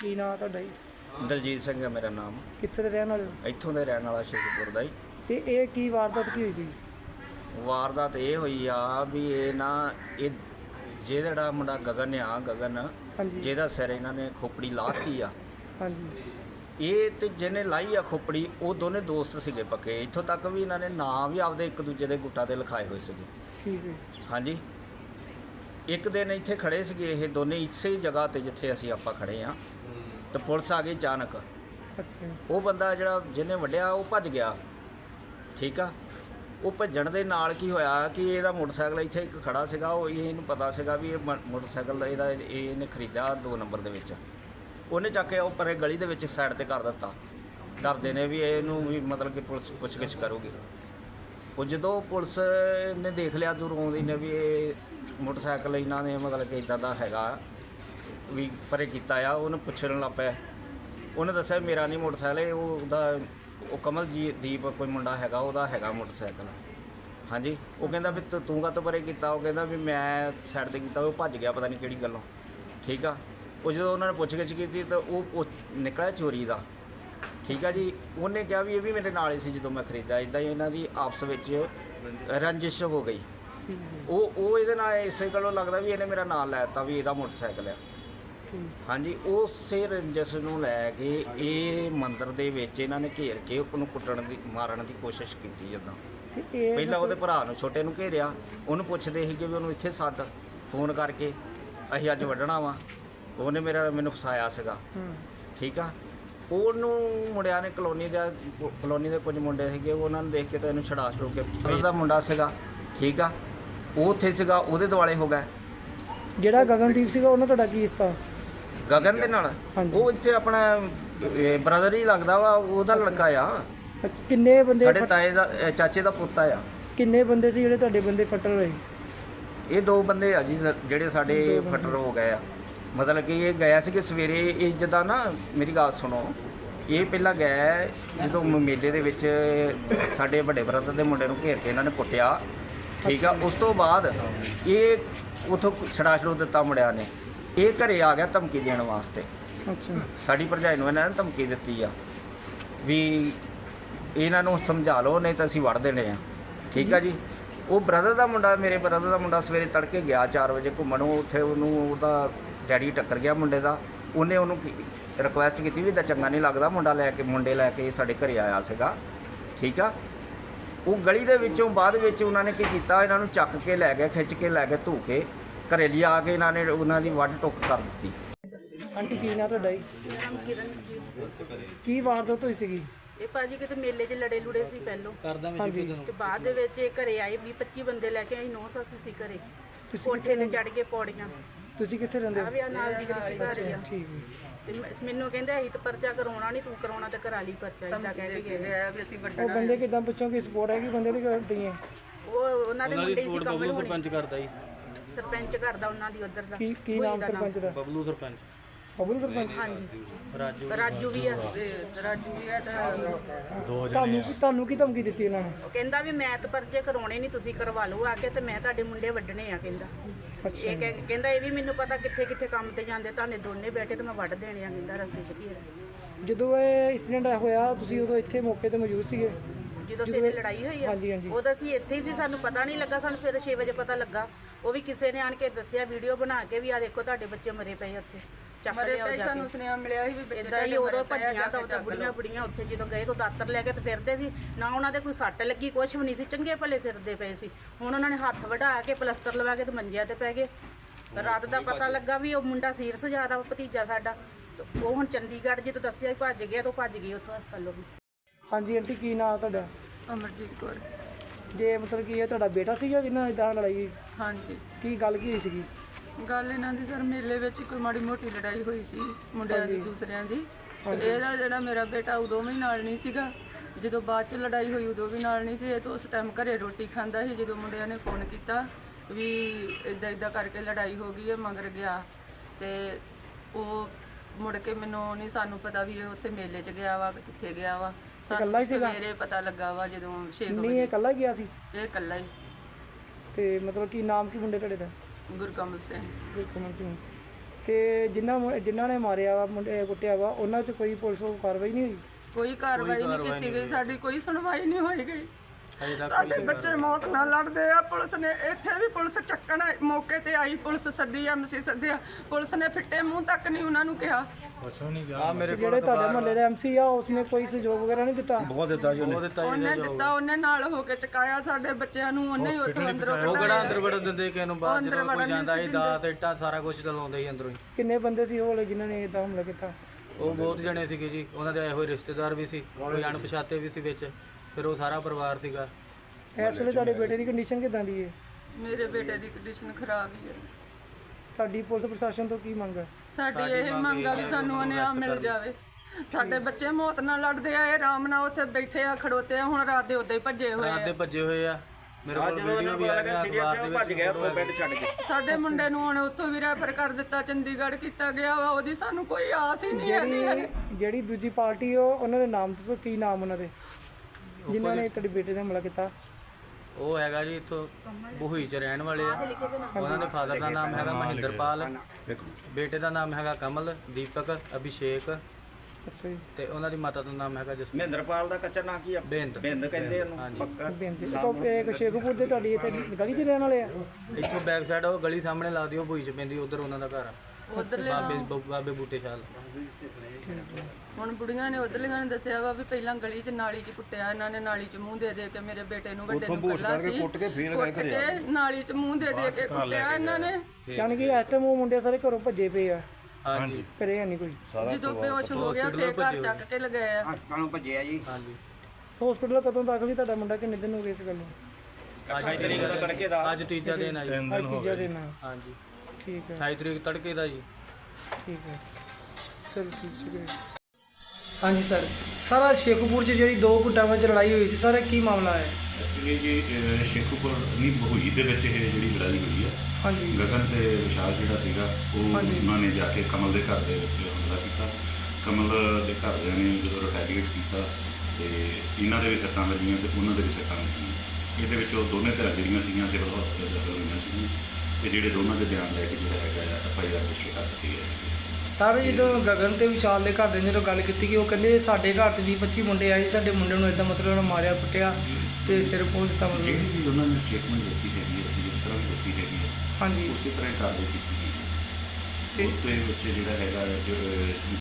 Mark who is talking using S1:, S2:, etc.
S1: ਕੀ ਨਾਂ ਤੁਹਾਡਾ ਜੀ?
S2: ਦਲਜੀਤ ਸਿੰਘ ਹੈ ਮੇਰਾ ਨਾਮ।
S1: ਕਿੱਥੇ ਦੇ ਰਹਿਣ ਵਾਲੇ ਹੋ?
S2: ਇੱਥੋਂ ਦੇ ਰਹਿਣ ਵਾਲਾ ਸ਼ੇਖਪੁਰ ਦਾ ਹੀ।
S1: ਤੇ ਇਹ ਕੀ ਵਾਰਦਾਤ ਕੀ ਹੋਈ ਸੀ?
S2: ਵਾਰਦਾਤ ਇਹ ਹੋਈ ਆ ਵੀ ਇਹ ਜਿਹੜਾ ਮੁੰਡਾ ਗਗਨ
S1: ਹਾਂਜੀ
S2: ਜਿਹਦਾ ਸਿਰ ਇਹਨਾਂ ਨੇ ਖੋਪੜੀ ਲਾਹਤੀ ਆ।
S1: ਹਾਂਜੀ
S2: ਇਹ ਤੇ ਜਿਹਨੇ ਲਾਈ ਆ ਖੋਪੜੀ ਉਹ ਦੋਨੇ ਦੋਸਤ ਸੀਗੇ ਪੱਕੇ। ਇੱਥੋਂ ਤੱਕ ਵੀ ਇਹਨਾਂ ਨੇ ਨਾਂ ਵੀ ਆਪਦੇ ਇੱਕ ਦੂਜੇ ਦੇ ਗੁੱਟਾਂ ਤੇ ਲਿਖਾਏ ਹੋਏ ਸੀਗੇ।
S1: ਠੀਕ ਹੈ।
S2: ਹਾਂਜੀ, ਇੱਕ ਦਿਨ ਇੱਥੇ ਖੜੇ ਸੀਗੇ ਇਹ ਦੋਨੇ ਇਸੇ ਜਗ੍ਹਾ ਤੇ ਜਿੱਥੇ ਆਪਾਂ ਖੜੇ ਆ, ਤੇ ਪੁਲਿਸ ਆ ਗਈ ਅਚਾਨਕ।
S1: ਅੱਛਾ।
S2: ਉਹ ਬੰਦਾ ਜਿਹੜਾ ਜਿਹਨੇ ਵੱਢਿਆ ਉਹ ਭੱਜ ਗਿਆ। ਠੀਕ ਆ, ਉਹ ਭੱਜਣ ਦੇ ਨਾਲ ਕੀ ਹੋਇਆ ਕਿ ਇਹਦਾ ਮੋਟਰਸਾਈਕਲ ਇੱਥੇ ਇੱਕ ਖੜਾ ਸੀਗਾ। ਉਹ ਇਹਨੂੰ ਪਤਾ ਸੀਗਾ ਵੀ ਇਹ ਮੋਟਰਸਾਈਕਲ ਇਹਨੇ ਖਰੀਦਿਆ 2 ਨੰਬਰ ਦੇ ਵਿੱਚ। ਉਹਨੇ ਚੱਕ ਕੇ ਉਹ ਪਰੇ ਗਲੀ ਦੇ ਵਿੱਚ ਸਾਈਡ ਤੇ ਕਰ ਦਿੱਤਾ, ਡਰਦੇ ਨੇ ਵੀ ਇਹਨੂੰ ਵੀ ਮਤਲਬ ਕਿ ਪੁਲਿਸ ਪੁੱਛਗਿੱਛ ਕਰੂਗੀ। ਉਹ ਜਦੋਂ ਪੁਲਿਸ ਨੇ ਦੇਖ ਲਿਆ ਦੂਰੋਂ ਆਉਂਦੀ ਨੇ ਵੀ ਇਹ ਮੋਟਰਸਾਈਕਲ ਇਹਨਾਂ ਨੇ ਮਤਲਬ ਕਿ ਇੱਦਾਂ ਦਾ ਹੈਗਾ ਵੀ ਪਰੇ ਕੀਤਾ ਆ, ਉਹਨੂੰ ਪੁੱਛਣ ਲੱਗ ਪਿਆ। ਉਹਨੇ ਦੱਸਿਆ ਮੇਰਾ ਨਹੀਂ ਮੋਟਰਸਾਈਕਲ, ਉਹ ਕਮਲਦੀਪ ਕੋਈ ਮੁੰਡਾ ਹੈਗਾ, ਉਹਦਾ ਹੈਗਾ ਮੋਟਰਸਾਈਕਲ। ਹਾਂਜੀ, ਉਹ ਕਹਿੰਦਾ ਵੀ ਤੂੰ ਕਾਹਤੋਂ ਪਰੇ ਕੀਤਾ? ਉਹ ਕਹਿੰਦਾ ਵੀ ਮੈਂ ਸਾਈਡ ਤੇ ਕੀਤਾ। ਉਹ ਭੱਜ ਗਿਆ ਪਤਾ ਨਹੀਂ ਕਿਹੜੀ ਗੱਲੋਂ। ਠੀਕ ਆ, ਉਹ ਜਦੋਂ ਉਹਨਾਂ ਨੇ ਪੁੱਛਗਿੱਛ ਕੀਤੀ ਤਾਂ ਉਹ ਨਿਕਲਿਆ ਚੋਰੀ ਦਾ। ਠੀਕ ਆ ਜੀ, ਉਹਨੇ ਕਿਹਾ ਵੀ ਇਹ ਵੀ ਮੇਰੇ ਨਾਲ ਹੀ ਸੀ ਜਦੋਂ ਮੈਂ ਖਰੀਦਿਆ। ਇੱਦਾਂ ਹੀ ਇਹਨਾਂ ਦੀ ਆਪਸ ਵਿੱਚ ਰੰਜਿਸ਼ ਹੋ ਗਈ। ਉਹ ਇਹਦੇ ਨਾਲ ਇਸੇ ਗੱਲੋਂ ਲੱਗਦਾ ਵੀ ਇਹਨੇ ਮੇਰਾ ਨਾਂ ਲੈ ਦਿੱਤਾ ਵੀ ਇਹਦਾ ਮੋਟਰਸਾਈਕਲ ਆ। ਹਾਂਜੀ, ਉਸੇ ਰੰਜਿਸ਼ ਨੂੰ ਲੈ ਕੇ ਇਹ ਮੰਦਿਰ ਦੇ ਵਿੱਚ ਇਹਨਾਂ ਨੇ ਘੇਰ ਕੇ ਉਹਨੂੰ ਕੁੱਟਣ ਦੀ ਮਾਰਨ ਦੀ ਕੋਸ਼ਿਸ਼ ਕੀਤੀ। ਜਿੱਦਾਂ ਪਹਿਲਾਂ ਉਹਦੇ ਭਰਾ ਨੂੰ ਛੋਟੇ ਨੂੰ ਘੇਰਿਆ, ਉਹਨੂੰ ਪੁੱਛਦੇ ਸੀਗੇ ਵੀ ਉਹਨੂੰ ਇੱਥੇ ਸੱਦ ਫੋਨ ਕਰਕੇ, ਅਸੀਂ ਅੱਜ ਵੱਢਣਾ ਵਾ। ਉਹਨੇ ਮੈਨੂੰ ਫਸਾਇਆ ਸੀਗਾ। ਠੀਕ ਆ, ਉਹਨੂੰ ਮੁੰਡਿਆਂ ਨੇ ਕਲੋਨੀ ਦੇ ਕੁਝ ਮੁੰਡੇ ਸੀਗੇ, ਉਹਨਾਂ ਨੂੰ ਦੇਖ ਕੇ ਤਾਂ ਇਹਨੂੰ ਛੜਾ ਕੇ ਉਹਦਾ ਮੁੰਡਾ ਸੀਗਾ। ਠੀਕ ਆ, ਉਹ ਉੱਥੇ ਸੀਗਾ, ਉਹਦੇ ਦੁਆਲੇ ਹੋ ਗਿਆ।
S1: ਜਿਹੜਾ ਗਗਨਦੀਪ ਸੀਗਾ ਉਹਨਾਂ ਤੁਹਾਡਾ ਕੀ ਰਿਸ਼ਤਾ?
S2: ਗਗਨ ਦੇ ਨਾਲ ਉਹ ਇੱਥੇ ਆਪਣਾ ਬ੍ਰਦਰ ਹੀ ਲੱਗਦਾ ਵਾ, ਉਹਦਾ ਲੜਕਾ ਆ।
S1: ਅੱਛਾ, ਕਿੰਨੇ ਬੰਦੇ?
S2: ਸਾਡੇ ਤਾਏ ਦਾ ਚਾਚੇ ਦਾ ਪੁੱਤ ਆ।
S1: ਕਿੰਨੇ ਬੰਦੇ ਸੀ ਜਿਹੜੇ ਤੁਹਾਡੇ ਬੰਦੇ ਫੱਟੜ ਹੋਏ?
S2: ਇਹ 2 ਬੰਦੇ ਆ ਜੀ ਜਿਹੜੇ ਸਾਡੇ ਫੱਟਰ ਹੋ ਗਏ ਆ। ਮਤਲਬ ਕਿ ਇਹ ਗਿਆ ਸੀ ਕਿ ਸਵੇਰੇ ਇਹ ਜਿੱਦਾਂ ਨਾ, ਮੇਰੀ ਗੱਲ ਸੁਣੋ, ਇਹ ਪਹਿਲਾਂ ਗਿਆ ਜਦੋਂ ਮੇਲੇ ਦੇ ਵਿੱਚ ਸਾਡੇ ਵੱਡੇ ਬ੍ਰਦਰ ਦੇ ਮੁੰਡੇ ਨੂੰ ਘੇਰ ਕੇ ਇਹਨਾਂ ਨੇ ਕੁੱਟਿਆ। ਠੀਕ ਆ, ਉਸ ਤੋਂ ਬਾਅਦ ਇਹ ਉੱਥੋਂ ਛੜਾਛੜੂ ਦਿੱਤਾ ਮੁੰਡਿਆਂ ਨੇ। ਇਹ ਘਰੇ ਆ ਗਿਆ ਧਮਕੀ ਦੇਣ ਵਾਸਤੇ।
S1: ਅੱਛਾ।
S2: ਸਾਡੀ ਭਰਜਾਈ ਨੂੰ ਇਹਨਾਂ ਨੇ ਧਮਕੀ ਦਿੱਤੀ ਆ ਵੀ ਇਹਨਾਂ ਨੂੰ ਸਮਝਾ ਲਓ ਨਹੀਂ ਤਾਂ ਅਸੀਂ ਵੜ ਦੇਣੇ ਆ। ਠੀਕ ਆ ਜੀ, ਉਹ ਬ੍ਰਦਰ ਦਾ ਮੁੰਡਾ, ਮੇਰੇ ਬ੍ਰਦਰ ਦਾ ਮੁੰਡਾ ਸਵੇਰੇ ਤੜਕੇ ਗਿਆ 4 ਵਜੇ ਘੁੰਮਣ। ਉੱਥੇ ਉਹਦਾ ਡੈਡੀ ਟੱਕਰ ਗਿਆ ਮੁੰਡੇ ਦਾ। ਉਹਨੇ ਉਹਨੂੰ ਰਿਕੁਐਸਟ ਕੀਤੀ ਵੀ ਇੱਦਾਂ ਚੰਗਾ ਨਹੀਂ ਲੱਗਦਾ, ਮੁੰਡੇ ਲੈ ਕੇ ਸਾਡੇ ਘਰੇ ਆਇਆ ਸੀਗਾ। ਠੀਕ ਆ, ਉਹ ਗਲੀ ਦੇ ਵਿੱਚੋਂ ਬਾਅਦ ਵਿੱਚ ਉਹਨਾਂ ਨੇ ਕੀ ਕੀਤਾ, ਇਹਨਾਂ ਨੂੰ ਚੱਕ ਕੇ ਲੈ ਗਏ, ਖਿੱਚ ਕੇ ਲੈ ਗਏ, ਧੂ ਕੇ ਘਰੇ ਲਿਆ ਕੇ ਇਹਨਾਂ ਨੇ ਉਹਨਾਂ ਦੀ ਵੱਢ ਟੁੱਕ ਕਰ ਦਿੱਤੀ।
S1: ਆਂਟੀ ਕੀ ਨਾਂ ਤੁਹਾਡਾ ਜੀ? ਕੀ ਵਾਰਦਾਤ ਹੋਈ ਸੀਗੀ?
S3: ਇਹ ਭਾਜੀ ਕਿਤੇ ਮੇਲੇ 'ਚ ਲੜੇ ਲੁੜੇ ਸੀ ਪਹਿਲੋਂ।
S1: ਹਾਂਜੀ।
S3: ਤੇ ਬਾਅਦ ਦੇ ਵਿੱਚ ਇਹ ਘਰੇ ਆਏ 20-25 ਬੰਦੇ ਲੈ ਕੇ ਆਈ। 9 ਸੱਸ ਸੀ ਘਰੇ, ਕੋਠੇ ਤੇ ਚੜ ਕੇ ਪੌੜੀਆਂ।
S1: ਤੁਸੀਂ ਕਿੱਥੇ ਰਹਿੰਦੇ ਹੋ?
S3: ਆ ਨਾਲ ਦੀ ਰਿਸ਼ਤੇਦਾਰੀ ਆ।
S1: ਠੀਕ ਹੈ।
S3: ਤੇ ਮੈਨੂੰ ਕਹਿੰਦੇ ਅਸੀਂ ਤਾਂ ਪਰਚਾ ਕਰਾਉਣਾ ਨਹੀਂ, ਤੂੰ ਕਰਾਉਣਾ ਤੇ ਕਰਾ ਲਈ ਪਰਚਾ। ਇਦਾਂ ਕਹਿ ਕੇ ਗਏ ਵੀ ਅਸੀਂ
S1: ਉਹ ਬੰਦੇ ਕਿਦਾਂ ਪੁੱਛੋ ਕਿ ਸਪੋਰਟ ਹੈਗੀ ਬੰਦੇ ਦੀ ਕਰਦੀ ਹੈ?
S3: ਉਹ ਉਹਨਾਂ ਦੇ ਮੁੰਡੇ ਸੀ ਕਮਲ ਹੋਣੀ।
S4: ਸਰਪੰਚ ਕਰਦਾ ਜੀ।
S3: ਸਰਪੰਚ ਕਰਦਾ ਉਹਨਾਂ ਦੀ ਉਧਰ ਦਾ।
S1: ਕੀ ਨਾਮ ਸਰਪੰਚ ਦਾ?
S4: ਬਬਲੂ ਸਰਪੰਚ।
S1: ਬਬਲੂ ਸਰਪੰਚ?
S3: ਹਾਂਜੀ,
S4: ਰਾਜੂ
S3: ਵੀ ਆ।
S1: ਤੁਹਾਨੂੰ ਕੀ ਧਮਕੀ ਦਿੱਤੀ ਇਹਨਾਂ ਨੇ?
S3: ਉਹ ਕਹਿੰਦਾ ਵੀ ਮੈਂ ਤਾਂ ਪਰਚੇ ਕਰਾਉਣੇ ਨਹੀਂ, ਤੁਸੀਂ ਕਰਵਾ ਲਓ ਆ ਕੇ, ਤੇ ਮੈਂ ਤੁਹਾਡੇ ਮੁੰਡੇ ਵੱਢਣੇ ਆ। ਕਹਿੰਦਾ ਇਹ ਕਹਿੰਦਾ ਇਹ ਵੀ ਮੈਨੂੰ ਪਤਾ ਕਿੱਥੇ ਕੰਮ ਤੇ ਜਾਂਦੇ, ਤੁਹਾਡੇ ਦੋਨੇ ਬੈਠੇ ਤੇ ਮੈਂ ਵੱਢ ਦੇਣੇ ਆ। ਕਹਿੰਦਾ ਰਸਤੇ 'ਚ ਘੇਰ।
S1: ਜਦੋਂ ਇਹ ਇਨਸੀਡੈਂਟ ਹੋਇਆ ਤੁਸੀਂ ਉਦੋਂ ਇੱਥੇ ਮੌਕੇ ਤੇ ਮੌਜੂਦ ਸੀਗੇ?
S3: ਜਦੋਂ ਸਵੇਰੇ ਲੜਾਈ ਹੋਈ ਆ,
S1: ਹਾਂਜੀ।
S3: ਉਦੋਂ ਅਸੀਂ ਇੱਥੇ ਹੀ ਸੀ, ਸਾਨੂੰ ਪਤਾ ਨਹੀਂ ਲੱਗਾ। ਸਾਨੂੰ ਸਵੇਰੇ 6 ਵਜੇ ਪਤਾ ਲੱਗਾ। ਉਹ ਵੀ ਕਿਸੇ ਨੇ ਆਣ ਕੇ ਦੱਸਿਆ, ਵੀਡੀਓ ਬਣਾ ਕੇ ਵੀ ਆ ਦੇਖੋ ਤੁਹਾਡੇ ਬੱਚੇ ਮਰੇ ਪਏ ਉੱਥੇ। ਚੱਕ ਲਿਆ
S5: ਸਾਨੂੰ ਸੁਨੇਹਾ ਮਿਲਿਆ ਸੀ ਵੀ
S3: ਇਦਾਂ ਹੀ ਉਦੋਂ ਭੱਜੀਆਂ ਤਾਂ ਉੱਥੇ ਬੁੜੀਆਂ ਉੱਥੇ ਜਦੋਂ ਗਏ ਤਾਂ ਦਾਤਰ ਲੈ ਕੇ ਤੇ ਫਿਰਦੇ ਸੀ ਨਾ। ਉਹਨਾਂ ਦੇ ਕੋਈ ਸੱਟ ਲੱਗੀ, ਕੁਛ ਵੀ ਨਹੀਂ ਸੀ, ਚੰਗੇ ਭਲੇ ਫਿਰਦੇ ਪਏ ਸੀ। ਹੁਣ ਉਹਨਾਂ ਨੇ ਹੱਥ ਵਢਾ ਕੇ ਪਲਸਤਰ ਲਵਾ ਕੇ ਤੇ ਮੰਜਿਆਂ ਤੇ ਪੈ ਗਏ। ਰਾਤ ਦਾ ਪਤਾ ਲੱਗਾ ਵੀ ਉਹ ਮੁੰਡਾ ਸੀਰਸ ਜ਼ਿਆਦਾ, ਭਤੀਜਾ ਸਾਡਾ। ਉਹ ਹੁਣ ਚੰਡੀਗੜ੍ਹ ਜਦੋਂ ਦੱਸਿਆ ਵੀ ਭੱਜ ਗਿਆ, ਤਾਂ ਭੱਜ ਗਈ ਉੱਥੋਂ ਹਸਪਤਾਲੋਂ ਵੀ।
S1: ਹਾਂਜੀ ਆਂਟੀ ਕੀ ਨਾਮ ਤੁਹਾਡਾ?
S5: ਅਮਰਜੀਤ ਕੌਰ।
S1: ਜੇ ਮਤਲਬ ਕਿ ਇਹ ਤੁਹਾਡਾ ਬੇਟਾ ਸੀਗਾ ਜਿਹਨਾਂ ਇਦਾਂ ਲੜਾਈ?
S5: ਹਾਂਜੀ।
S1: ਕੀ ਗੱਲ ਕੀ ਹੋਈ ਸੀਗੀ?
S5: ਗੱਲ ਇਹਨਾਂ ਦੀ ਸਰ ਮੇਲੇ ਵਿੱਚ ਕੋਈ ਮਾੜੀ ਮੋਟੀ ਲੜਾਈ ਹੋਈ ਸੀ ਮੁੰਡਿਆਂ ਦੀ ਦੂਸਰਿਆਂ ਦੀ। ਇਹਦਾ ਜਿਹੜਾ ਮੇਰਾ ਬੇਟਾ ਉਦੋਂ ਵੀ ਨਾਲ ਨਹੀਂ ਸੀਗਾ, ਜਦੋਂ ਬਾਅਦ 'ਚ ਲੜਾਈ ਹੋਈ ਉਦੋਂ ਵੀ ਨਾਲ ਨਹੀਂ ਸੀ। ਇਹ ਤਾਂ ਉਸ ਟਾਈਮ ਘਰੇ ਰੋਟੀ ਖਾਂਦਾ ਸੀ ਜਦੋਂ ਮੁੰਡਿਆਂ ਨੇ ਫੋਨ ਕੀਤਾ ਵੀ ਇੱਦਾਂ ਕਰਕੇ ਲੜਾਈ ਹੋ ਗਈ ਹੈ, ਮਗਰ ਗਿਆ। ਤੇ ਉਹ ਮੁੜ ਕੇ ਮੈਨੂੰ ਨਹੀਂ ਸਾਨੂੰ ਪਤਾ ਵੀ ਇਹ ਉੱਥੇ ਮੇਲੇ 'ਚ ਗਿਆ ਵਾ ਕਿੱਥੇ ਗਿਆ ਵਾ। ਸਾਨੂੰ ਸਵੇਰੇ ਪਤਾ ਲੱਗਾ ਵਾ ਜਦੋਂ 6 ਵਜੇ।
S1: ਨਹੀਂ ਇਹ ਇਕੱਲਾ ਗਿਆ ਸੀ?
S5: ਇਹ ਇਕੱਲਾ ਹੀ।
S1: ਤੇ ਮਤਲਬ ਕੀ ਨਾਮ ਕੀ ਮੁੰਡੇ ਤੁਹਾਡੇ ਦਾ?
S5: ਗੁਰਕਮਲ ਸਿੰਘ।
S1: ਗੁਰਕਮਲ ਸਿੰਘ। ਤੇ ਜਿਨ੍ਹਾਂ ਨੇ ਮਾਰਿਆ ਵਾ ਮੁੰਡੇ ਕੁੱਟਿਆ ਵਾ ਉਹਨਾਂ 'ਤੇ ਕੋਈ ਪੁਲਿਸ ਵੱਲੋਂ ਕਾਰਵਾਈ ਨਹੀਂ ਹੋਈ?
S5: ਕੋਈ ਕਾਰਵਾਈ ਨਹੀਂ ਕੀਤੀ ਗਈ, ਸਾਡੀ ਕੋਈ ਸੁਣਵਾਈ ਨਹੀਂ ਹੋਈ ਗਈ। ਸਾਡੇ ਬੱਚੇ ਮੌਤ ਨਾਲ ਲੜਦੇ ਆ। ਪੁਲਿਸ ਨੇ ਇੱਥੇ ਵੀ ਪੁਲਿਸ ਚੱਕਣ ਮੌਕੇ ਤੇ ਆਈ, ਪੁਲਿਸ ਸੱਦੀ, ਐਮਸੀ ਸੱਦਿਆ, ਪੁਲਿਸ ਨੇ ਫਿੱਟੇ ਮੂੰਹ ਤੱਕ ਨਹੀਂ ਉਹਨਾਂ ਨੂੰ ਕਿਹਾ।
S1: ਜਿਹੜੇ ਤੁਹਾਡੇ ਮਹੱਲੇ ਦੇ ਐਮਸੀ ਆ ਉਸਨੇ ਕੋਈ ਸਹਿਯੋਗ ਵਗੈਰਾ ਨਹੀਂ ਦਿੱਤਾ?
S5: ਉਹਨੇ ਦਿੱਤਾ, ਉਹਨੇ ਨਾਲ ਹੋ ਕੇ ਚਕਾਇਆ ਸਾਡੇ ਬੱਚਿਆਂ ਨੂੰ, ਉਹਨੇ ਹੀ ਉੱਥੋਂ ਅੰਦਰੋਂ ਕਢਾਇਆ।
S4: ਅੰਦਰ ਵੜਨ ਦਿੰਦੇ ਕਿਸੇ ਨੂੰ ਬਾਹਰ ਜਦੋਂ ਕੋਈ ਜਾਂਦਾ ਸੀ ਦਾਤ ਇੱਟਾਂ ਸਾਰਾ ਕੁਝ ਚਲਾਉਂਦੇ ਸੀ ਅੰਦਰੋਂ ਹੀ।
S1: ਕਿੰਨੇ ਬੰਦੇ ਸੀ ਉਹ ਵਾਲੇ ਜਿਨ੍ਹਾਂ ਨੇ ਇਦਾਂ ਹਮਲਾ ਕੀਤਾ?
S4: ਉਹ ਬਹੁਤ ਜਣੇ ਸੀਗੇ ਜੀ, ਉਹਨਾਂ ਦੇ ਆਏ ਹੋਏ ਰਿਸ਼ਤੇਦਾਰ ਵੀ ਸੀ, ਕੋਈ ਅਣਪਛਾਤੇ ਵੀ ਸੀ ਵਿੱਚ, ਫਿਰ ਉਹ ਸਾਰਾ ਪਰਿਵਾਰ ਸੀਗਾ।
S1: ਇਸ ਵੇਲੇ ਤੁਹਾਡੇ ਬੇਟੇ ਦੀ ਕੰਡੀਸ਼ਨ ਕਿਦਾਂ ਦੀ ਹੈ?
S5: ਮੇਰੇ ਬੇਟੇ ਦੀ ਕੰਡੀਸ਼ਨ ਖਰਾਬ ਹੀ ਹੈ।
S1: ਤੁਹਾਡੀ ਪੁਲਿਸ ਪ੍ਰਸ਼ਾਸਨ ਤੋਂ ਕੀ ਮੰਗ ਹੈ?
S5: ਸਾਡੀ ਇਹ ਮੰਗ ਆ ਵੀ ਸਾਨੂੰ ਨਿਆਂ ਮਿਲ ਜਾਵੇ। ਸਾਡੇ ਬੱਚੇ ਮੌਤ ਨਾਲ ਲੜਦੇ ਆ, ਇਹ ਆਰਾਮ ਨਾਲ ਉੱਥੇ ਬੈਠੇ ਆ, ਖੜੋਤੇ ਆ, ਹੁਣ ਰਾਤ ਦੇ ਉੱਤੇ ਹੀ ਭੱਜੇ ਹੋਏ
S4: ਰਾਤ ਦੇ
S5: ਆ।
S4: ਭੱਜੇ ਹੋਏ ਆ। ਮੇਰੇ ਕੋਲ ਵੀਡੀਓ ਵੀ ਆ ਗਿਆ, ਅਖਬਾਰ ਦੇ ਵਿੱਚ
S2: ਗਿਆ ਉੱਥੋਂ ਪਿੰਡ ਛੱਡ ਕੇ।
S5: ਸਾਡੇ ਮੁੰਡੇ ਨੂੰ ਹੁਣ ਉੱਥੋਂ ਵੀ ਰੈਫਰ ਕਰ ਦਿੱਤਾ, ਚੰਡੀਗੜ੍ਹ ਕੀਤਾ ਗਿਆ ਵਾ। ਉਹਦੀ ਸਾਨੂੰ ਕੋਈ ਆਸ ਹੀ ਨਹੀਂ ਹੈਗੀ।
S1: ਜਿਹੜੀ ਦੂਜੀ ਪਾਰਟੀ ਉਹਨਾਂ ਦੇ ਨਾਮ ਦੱਸੋ, ਕੀ ਨਾਮ ਉਹਨਾਂ ਦੇ ਜਿਨ੍ਹਾਂ ਨੇ ਤੁਹਾਡੇ ਬੇਟੇ ਤੇ ਹਮਲਾ ਕੀਤਾ?
S4: ਉਹ ਹੈਗਾ ਜੀ ਇੱਥੋਂ ਬੁਹੀ ਚ ਰਹਿਣ ਵਾਲੇ ਆ। ਉਹਨਾਂ ਦੇ ਫਾਦਰ ਦਾ ਨਾਮ ਹੈਗਾ ਮਹਿੰਦਰਪਾਲ, ਬੇਟੇ ਦਾ ਨਾਮ ਹੈਗਾ ਕਮਲ, ਦੀਪਕ, ਅਭਿਸ਼ੇਕ,
S1: ਅੱਛਾ ਜੀ।
S4: ਤੇ ਉਹਨਾਂ ਦੀ ਮਾਤਾ ਦਾ ਨਾਮ ਹੈਗਾ ਜਸਮੀਤ।
S2: ਮਹਿੰਦਰਪਾਲ ਦਾ ਕੱਚਾ ਨਾਂ ਕੀ ਆ?
S4: ਬੇਂਦ।
S2: ਬਿੰਦ ਕਹਿੰਦੇ ਇਹਨੂੰ ਪੱਕਾ।
S1: ਇੱਕ ਸ਼ੇਖੂਪੁਰ ਦੇ ਤੁਹਾਡੀ ਇੱਥੇ ਗਲੀ 'ਚ ਰਹਿਣ ਵਾਲੇ ਆ?
S4: ਇੱਥੋਂ ਬੈਕ ਸਾਈਡ ਉਹ ਗਲੀ ਸਾਹਮਣੇ ਲੱਗਦੀ, ਉਹ ਬੁਹੀ ਚ ਪੈਂਦੀ, ਉਧਰ ਉਹਨਾਂ ਦਾ ਘਰ ਆ।
S5: ਉਧਰਲੇ
S4: ਬਾਬੇ ਬੂਟੇ ਸ਼ਾਲ।
S5: ਹੁਣ ਬੁੜੀਆਂ ਨੇ ਉਧਰਲੀਆਂ ਨੇ ਦੱਸਿਆ ਵਾ ਵੀ ਪਹਿਲਾਂ ਗਲੀ 'ਚ ਨਾਲੀ 'ਚ ਕੁੱਟਿਆ ਇਹਨਾਂ ਨੇ, ਨਾਲੀ 'ਚ ਮੂੰਹ ਦੇ ਕੇ ਮੇਰੇ ਬੇਟੇ ਨੂੰ, ਵੱਡੇ ਨੂੰ ਕੱਲਾ ਸੀ, ਕੁੱਟ ਕੇ ਨਾਲੀ 'ਚ ਮੂੰਹ ਦੇ ਕੇ ਕੁੱਟਿਆ ਇਹਨਾਂ ਨੇ।
S1: ਯਾਨੀ ਕਿ ਇਸ ਟਾਈਮ ਉਹ ਮੁੰਡੇ ਸਾਰੇ ਘਰੋਂ ਭੱਜੇ ਪਏ ਆ?
S4: ਹਾਂਜੀ,
S1: ਘਰੇ ਹੈ ਨਹੀਂ ਕੋਈ?
S5: ਜਦੋਂ ਬੇਹੋਸ਼ ਹੋ ਗਿਆ ਫੇਰ ਘਰ ਚੱਕ ਕੇ ਲਗਾਏ ਆ।
S2: ਹਸਪਤਾਲੋਂ ਭੱਜਿਆ ਜੀ।
S4: ਹਾਂਜੀ।
S1: ਹਸਪੀਟਲ ਕਦੋਂ ਦਾਖਲ ਸੀ ਤੁਹਾਡਾ ਮੁੰਡਾ? ਕਿੰਨੇ ਦਿਨ ਹੋ ਗਏ ਇਸ ਗੱਲ ਨੂੰ?
S4: ਅੱਜ ਤਰੀਕ ਦਾ ਤੜਕੇ ਦਾ, ਅੱਜ ਤੀਜਾ ਦਿਨ ਆ ਜੀ।
S1: ਅੱਜ ਤੀਜਾ ਦਿਨ ਆ?
S4: ਹਾਂਜੀ,
S1: ਠੀਕ ਹੈ
S4: 28 ਤਰੀਕ ਤੜਕੇ ਦਾ ਜੀ।
S1: ਠੀਕ ਹੈ, ਚਲੋ ਠੀਕ ਹੈ। ਹਾਂਜੀ ਸਰ, ਸਾਰਾ ਸ਼ੇਖੂਪੁਰ 'ਚ ਜਿਹੜੀ ਦੋ ਗੁੱਟਾਂ ਵਿੱਚ ਲੜਾਈ ਹੋਈ ਸੀ ਸਰ, ਕੀ ਮਾਮਲਾ ਹੈ?
S6: ਐਕਚੁਅਲੀ ਜੀ ਸ਼ੇਖੂਪੁਰ ਨਹੀਂ ਬਹੋਈ ਦੇ ਵਿੱਚ ਇਹ ਜਿਹੜੀ ਲੜਾਈ ਹੋਈ ਹੈ।
S1: ਹਾਂਜੀ।
S6: ਗਗਨ ਤੇ ਵਿਸ਼ਾਲ ਜਿਹੜਾ ਸੀਗਾ ਉਹ ਉਹਨਾਂ ਨੇ ਜਾ ਕੇ ਕਮਲ ਦੇ ਘਰ ਦੇ ਵਿੱਚ ਹਮਲਾ ਕੀਤਾ। ਕਮਲ ਦੇ ਘਰਦਿਆਂ ਨੇ ਜਦੋਂ ਰਿਟੈਲੀਏਟ ਕੀਤਾ ਤੇ ਇਹਨਾਂ ਦੇ ਵੀ ਸੱਟਾਂ ਲੱਗੀਆਂ ਤੇ ਉਹਨਾਂ ਦੇ ਵੀ ਸੱਟਾਂ ਲੱਗੀਆਂ। ਇਹਦੇ ਵਿੱਚ ਉਹ ਦੋਨੇ ਧਿਰਾਂ ਜਿਹੜੀਆਂ ਸੀਗੀਆਂ ਸਿਵਲ ਹਸਪਤਾਲ ਦਾਖਲ ਹੋਈਆਂ ਸੀਗੀਆਂ ਤੇ ਜਿਹੜੇ ਦੋਨਾਂ ਦੇ ਬਿਆਨ ਲੈ ਕੇ ਜਿਹੜਾ ਹੈਗਾ FIR ਰਜਿਸਟਰ ਕਰ ਦਿੱਤੀ ਹੈ।
S1: ਸਰ ਜਦੋਂ ਗਗਨ ਤੇ ਵਿਸ਼ਾਲ ਦੇ ਘਰ ਦੇ ਜਦੋਂ ਗੱਲ ਕੀਤੀ ਕਿ ਉਹ ਕਹਿੰਦੇ ਸਾਡੇ ਘਰ ਤੇ 20-25 ਮੁੰਡੇ ਆਏ, ਸਾਡੇ ਮੁੰਡੇ ਨੂੰ ਇਦਾਂ ਮਤਲਬ ਉਹਨਾਂ ਮਾਰਿਆ ਕੁੱਟਿਆ ਤੇ ਸਿਰ ਖੋਲ ਦਿੱਤਾ ਮਤਲਬ।
S6: ਜਿਹੜੀ ਵੀ ਉਹਨਾਂ ਨੇ ਸਟੇਟਮੈਂਟ ਦਿੱਤੀ ਹੈਗੀ ਹੈ, ਜਿਸ ਤਰ੍ਹਾਂ ਵੀ ਦਿੱਤੀ ਹੈਗੀ ਹੈ,
S1: ਹਾਂਜੀ।
S6: ਉਸੇ ਤਰ੍ਹਾਂ ਹੀ ਕਾਰਵਾਈ ਕੀਤੀ ਗਈ ਹੈ। ਤੇ ਵਿੱਚ ਜਿਹੜਾ ਹੈਗਾ